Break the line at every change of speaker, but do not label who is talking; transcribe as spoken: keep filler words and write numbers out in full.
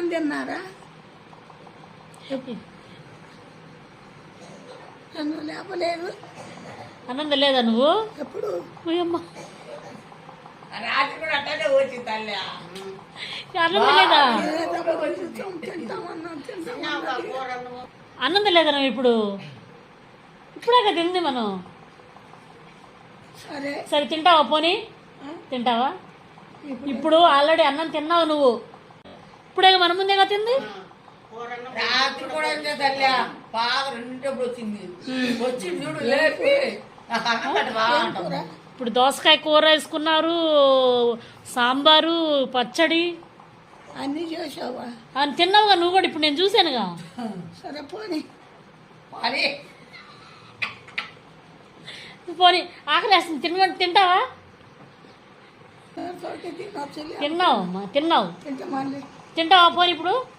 తిన్నారా? నన్ను లేపలేదు.
అన్నం లేదా నువ్వు?
ఎప్పుడు
అమ్మ
రాత్రి కూడా అట్టనే వచ్చి తల్లి
అన్నం లేదా?
తింటామన్నా తింటామన్నా
అన్నం లేదా నువ్వు? ఇప్పుడు ఇప్పుడే కదా తింది మనం.
సరే
సరే తింటావా? పోనీ తింటావా? ఇప్పుడు ఆల్రెడీ అన్నం తిన్నావు నువ్వు. ఇప్పుడే మన ముందేగా తింది.
రాత్రి కూడా అంతే తల్లి బాగా రెండింటప్పుడు వచ్చింది. వచ్చింది చూడు లేపి నాకు అన్నం పెట్ట బాగా అంటాం.
ఇప్పుడు దోసకాయ కూర వేసుకున్నారు, సాంబారు, పచ్చడి
అన్నీ చేసావా?
అని తిన్నావుగా నువ్వు కూడా. ఇప్పుడు నేను చూశానుగా.
సరే పోనీ
మరి
పోనీ ఆకలి వేస్తుంది. తిన తింటావా?
తినొచ్చు.
తిన్నావు అమ్మా తిన్నావు.
తింటే మళ్ళీ
తింటావా? పోనీ ఇప్పుడు